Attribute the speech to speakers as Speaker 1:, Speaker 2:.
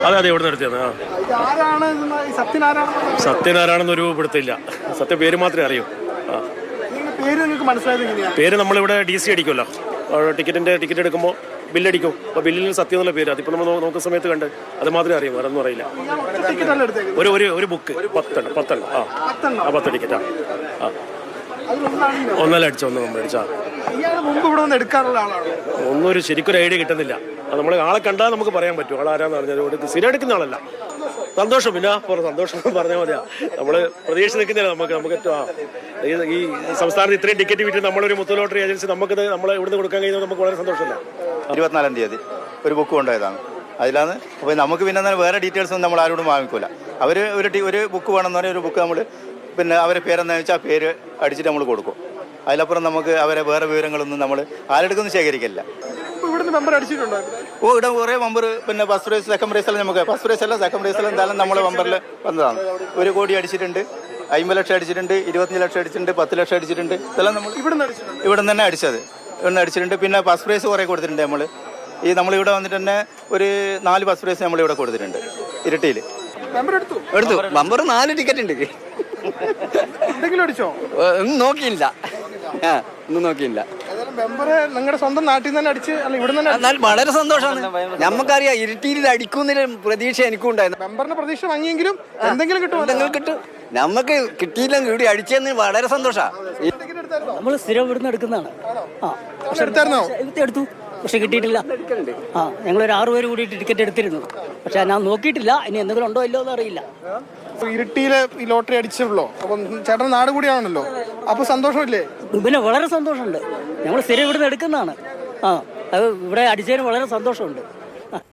Speaker 1: അതെ അതെ, ഇവിടെ നിർത്തിയത്. സത്യനാരായണെന്നൊരു പിടുത്തില്ല. സത്യ പേര് മാത്രമേ അറിയൂ. പേര് നമ്മളിവിടെ DC അടിക്കുമല്ലോ, ടിക്കറ്റ് എടുക്കുമ്പോൾ ബില്ലടിക്കും. അപ്പോൾ ബില്ലിൽ സത്യം എന്നുള്ള പേര്, അതിപ്പോൾ നമ്മൾ നോക്കുന്ന സമയത്ത് കണ്ട് അത് മാത്രമേ അറിയൂ, വേറെ ഒന്നും അറിയില്ല. ഒരു ബുക്ക് 10 ടിക്കറ്റാ. ഒന്നല്ല അടിച്ചോ, ഒന്ന് നമ്മൾ അടിച്ചാ. ഒന്നും ഒരു ശരിക്കൊരു ഐഡിയ കിട്ടുന്നില്ല. അത് നമ്മൾ ആളെ കണ്ടാൽ നമുക്ക് പറയാൻ പറ്റും ആളാരാന്ന് പറഞ്ഞാൽ. സ്ഥിരം എടുക്കുന്ന ആളല്ല. സന്തോഷം, പിന്നെ സന്തോഷം പറഞ്ഞാൽ മതിയാ. നമ്മൾ പ്രതീക്ഷ നിൽക്കുന്നില്ല. നമുക്ക് ഈ സംസ്ഥാനത്ത് ഇത്രയും ടിക്കറ്റ് വിറ്റ് നമ്മളൊരു മുത്തു ലോട്ടറി ഏജൻസി നമുക്കത് നമ്മളെ ഇവിടുന്ന് കൊടുക്കാൻ കഴിയുന്നത് നമുക്ക് വളരെ സന്തോഷമല്ല.
Speaker 2: 24-ാം തീയതി ഒരു ബുക്ക് കൊണ്ടുപോയതാണ്. അതിലാണ്. അപ്പോൾ നമുക്ക് പിന്നെ വേറെ ഡീറ്റെയിൽസ് ഒന്നും നമ്മൾ ആരോടും വാങ്ങിക്കൂല. അവർ ഒരു ബുക്ക് വേണമെന്ന് പറഞ്ഞാൽ ഒരു ബുക്ക് നമ്മൾ പിന്നെ അവരെ പേരെന്താ വെച്ചാൽ ആ പേര് അടിച്ചിട്ട് നമ്മൾ കൊടുക്കും. അതിലപ്പുറം നമുക്ക് അവരെ വേറെ വിവരങ്ങളൊന്നും നമ്മൾ ആരെടുക്കൊന്നും ശേഖരിക്കില്ല. ഇവിടെ കുറേ മെമ്പർ പിന്നെ ഫസ്റ്റ് പ്രൈസ് സെക്കൻഡ് പ്രൈസ് എല്ലാം നമുക്ക് ഫസ്റ്റ് പ്രൈസ് അല്ല സെക്കൻഡ് പ്രൈസ് എല്ലാം എന്തായാലും നമ്മുടെ മെമ്പറിൽ വന്നതാണ്. 1 കോടി അടിച്ചിട്ടുണ്ട്, 50 ലക്ഷം അടിച്ചിട്ടുണ്ട്, 25 ലക്ഷം അടിച്ചിട്ടുണ്ട്, 10 ലക്ഷം അടിച്ചിട്ടുണ്ട്. ഇതെല്ലാം നമ്മൾ ഇവിടെ തന്നെ അടിച്ചത്. ഇവിടെ അടിച്ചിട്ടുണ്ട്. പിന്നെ ഫസ്റ്റ് പ്രൈസ് കുറേ കൊടുത്തിട്ടുണ്ട്. നമ്മളിവിടെ വന്നിട്ട് തന്നെ ഒരു 4 ഫസ്റ്റ് പ്രൈസ് നമ്മളിവിടെ കൊടുത്തിട്ടുണ്ട് ഇരട്ടിയിൽ.
Speaker 3: എടുത്തു. മെമ്പർ 4 ടിക്കറ്റ് ഉണ്ട്. ഒന്നും നോക്കിയില്ല.
Speaker 4: നിങ്ങളുടെ സ്വന്തം നാട്ടിൽ നിന്ന് തന്നെ അടിച്ച് ഇവിടെ
Speaker 3: വളരെ സന്തോഷമാണ്. നമുക്കറിയാം ഇരട്ടിയിൽ അടിക്കുന്നതിന് പ്രതീക്ഷ എനിക്കും ഉണ്ടായിരുന്നു.
Speaker 4: മെമ്പറിന്റെ പ്രതീക്ഷ വാങ്ങിയെങ്കിലും എന്തെങ്കിലും
Speaker 3: കിട്ടും. നമുക്ക് കിട്ടിയില്ലെങ്കിൽ ഇവിടെ അടിച്ചെന്ന് വളരെ സന്തോഷമാണ്.
Speaker 5: നമ്മൾ സ്ഥിരം ഇവിടുന്ന് എടുക്കുന്നതാണ്. എടുത്തു, പക്ഷെ കിട്ടിയിട്ടില്ല. ഞങ്ങളൊരു 6 പേര് കൂടിയിട്ട് ടിക്കറ്റ് എടുത്തിരുന്നു. പക്ഷെ ഞാൻ നോക്കിയിട്ടില്ല, ഇനി എന്തെങ്കിലും ഉണ്ടോ ഇല്ലോ എന്ന് അറിയില്ല.
Speaker 4: ഇരിട്ടിയിലെ ഈ ലോട്ടറി അടിച്ചല്ലോ, അപ്പം ചേട്ടൻ നാട് കൂടിയാണല്ലോ, അപ്പൊ സന്തോഷമില്ലേ?
Speaker 5: പിന്നെ വളരെ സന്തോഷമുണ്ട്. ഞങ്ങൾ സ്ഥിരം ഇവിടുന്ന് എടുക്കുന്നതാണ്. അത് ഇവിടെ അടിച്ചതിന് വളരെ സന്തോഷമുണ്ട്.